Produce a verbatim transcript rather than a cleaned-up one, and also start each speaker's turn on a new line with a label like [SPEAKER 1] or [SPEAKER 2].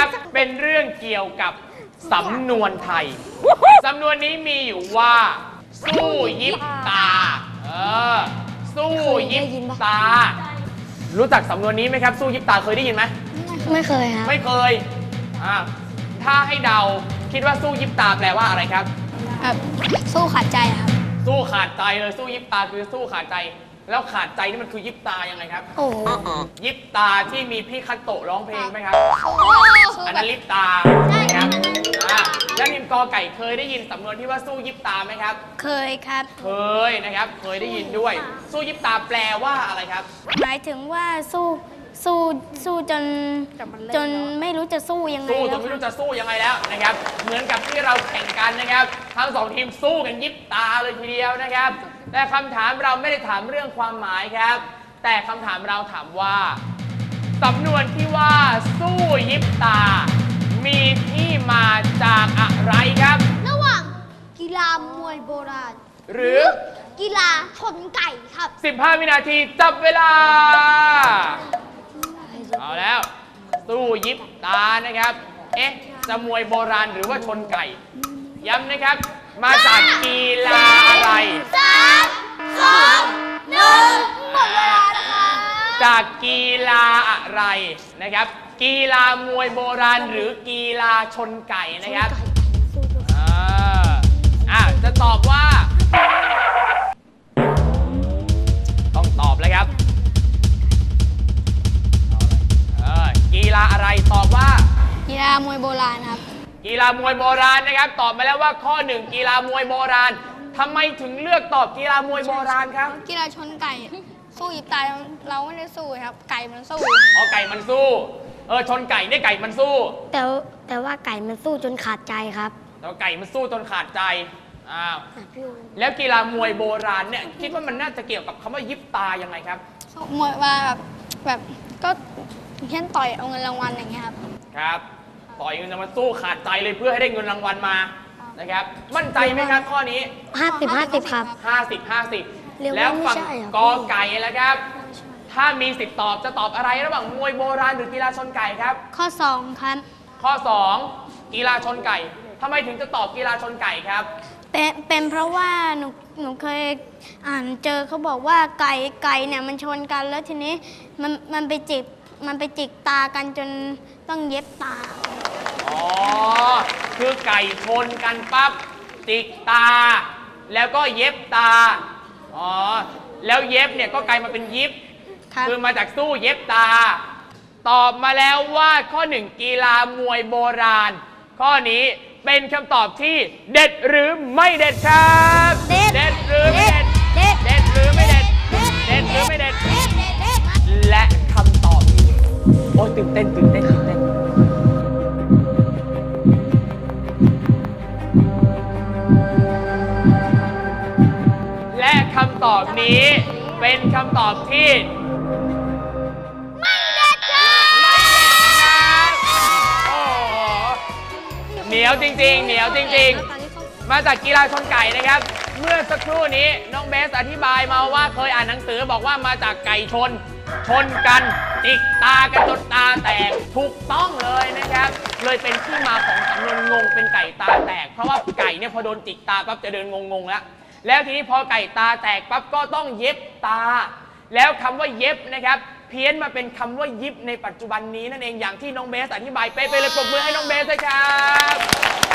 [SPEAKER 1] เป็นเรื่องเกี่ยวกับสำนวนไทยสำนวนนี้มีอยู่ว่าสู้ยิบตาเออสู้ยิบตารู้จักสำนวนนี้ไหมครับสู้ยิบตาเคยได้ยินไหม
[SPEAKER 2] ไม่เคยครับ
[SPEAKER 1] ไม่เคยอ่าถ้าให้เดาคิดว่าสู้ยิบตาแปลว่าอะไรครับ
[SPEAKER 2] ครับสู้ขาดใจครับ
[SPEAKER 1] สู้ขาดใจเลยสู้ยิบตาคือสู้ขาดใจแล้วขาดใจนี่มันคือยิบตายังไงครับ
[SPEAKER 2] โอ้
[SPEAKER 1] ยิบตาที่มีพี่คัตโตะร้องเพลงไหมครับอันนั้นลิปตาครับอ่าแล้วนิมกอไก่เคยได้ยินสำนวนที่ว่าสู้ยิบตาไหมครับ
[SPEAKER 2] เคยครับ
[SPEAKER 1] เคยนะครับเคยได้ยินด้วยสู้ยิบตาแปลว่าอะไรครับ
[SPEAKER 2] หมายถึงว่าสู้สู้สู้จนจนไม่รู้จะสู้ยังไง
[SPEAKER 1] สู้จนไม่รู้จะสู้ยังไงแล้วนะครับเหมือนกับที่เราแข่งกันนะครับทั้งสองทีมสู้กันยิบตาเลยทีเดียวนะครับแต่คำถามเราไม่ได้ถามเรื่องความหมายครับแต่คำถามเราถามว่าสำนวนที่ว่าสู้ยิบตามีที่มาจากอะไรครับ
[SPEAKER 3] ระหว่างกีฬามวยโบราณ
[SPEAKER 1] หรือ
[SPEAKER 3] กีฬาชนไก่ครับ
[SPEAKER 1] สิบห้าวินาทีจับเวลาเอาแล้วสู้ยิบตานะครับเอ๊ะจะมวยโบราณหรือว่าชนไก่ย้ำนะครับมาจากกีฬาอะไร
[SPEAKER 3] สามสองหนึ่งหมดเวลานะคะ
[SPEAKER 1] จากกีฬาอะไรนะครับกีฬามวยโบราณหรือกีฬาชนไก่นะครับอ่าอ่ะจะตอบว่าต้องตอบเลยครับกีฬาอะไรตอบว่า
[SPEAKER 2] กีฬามวยโบราณครับ
[SPEAKER 1] กีฬามวยโบราณนะครับตอบมาแล้วว่าข้อหนึ่งกีฬามวยโบราณทำไมถึงเลือกตอบกีฬามวยโบราณครับ
[SPEAKER 2] กีฬาชนไก่สู้ยิบตาเราไม่ได้สู้ครับไก่มันสู้
[SPEAKER 1] อ๋อไก่มันสู้เออชนไก่เนี่ยไก่มันสู้
[SPEAKER 2] แต่แต่ว่าไก่มันสู้จนขาดใจครับ
[SPEAKER 1] แต่ไก่มันสู้จนขาดใจอ้าวแล้วกีฬามวยโบราณเนี่ยคิดว่ามันน่าจะเกี่ยวกับคำว่ายิบตายังไงครับ
[SPEAKER 2] มวยว่าแบบแบบก็เช่นต่อยเอาเงินรางวัลอย่างเงี้ยครับ
[SPEAKER 1] ครับต่อยเงินรางวัลสู้ขาดใจเลยเพื่อให้ได้เงินรางวัลมานะครับมั่นใจไหมครับข้อนี้
[SPEAKER 2] ห้าสิบห้าสิบครับ
[SPEAKER 1] ห้าสิบห้าสิบแล้วฝั่งกอไก่แล้วครับถ้ามีสิทธิ์ตอบจะตอบอะไรระหว่างมวยโบราณหรือกีฬาชนไก่ครับ
[SPEAKER 2] ข้อสองครับ
[SPEAKER 1] ข้อสองกีฬาชนไก่ทำไมถึงจะตอบกีฬาชนไก่ครับ
[SPEAKER 2] เป็นเป็นเพราะว่าหนูหนูเคยอ่านเจอเขาบอกว่าไก่ไก่เนี่ยมันชนกันแล้วทีนี้มันมันไปจิกมันไปจิกตากันจนต้องเย็บตา
[SPEAKER 1] อ๋อคือไก่ชนกันปั๊บจิกตาแล้วก็เย็บตาอ๋อแล้วเย็บเนี่ยก็กลายมาเป็นยิบคือมาจากสู้เย็บตาตอบมาแล้วว่าข้อหนึ่งกีฬามวยโบราณข้อนี้เป็นคำตอบที่เด็ดหรือไม่เด็ดครับเด็ดหรือไม่เด็ดเด็ดหรือไม่เด็ดเด็ดหรือไม่เด็ดและคำตอบนี้โอ้ตื่นเต้นตื่นเต้นตื่นเต้นและคำตอบนี้เป็นคำตอบที่
[SPEAKER 3] ไม่เด็ดครับ
[SPEAKER 1] โอ้โหเหนียวจริงๆเหนียวจริงๆมาจากกีฬาชนไก่นะครับเมื่อสักครู่นี้น้องเบสอธิบายมาว่าเคยอ่านหนังสือบอกว่ามาจากไก่ชนชนกันจิกตากันจนตาแตกถูกต้องเลยนะครับเลยเป็นที่มาของสำนวนงงเป็นไก่ตาแตกเพราะว่าไก่เนี่ยพอโดนจิกตาปั๊บจะเดินงงๆแล้วแล้วทีนี้พอไก่ตาแตกปั๊บก็ต้องเย็บตาแล้วคำว่าเย็บนะครับเพี้ยนมาเป็นคำว่ายิบในปัจจุบันนี้นั่นเองอย่างที่น้องเบสอธิบายไปไปเลยปรบมือให้น้องเบสเลยครับ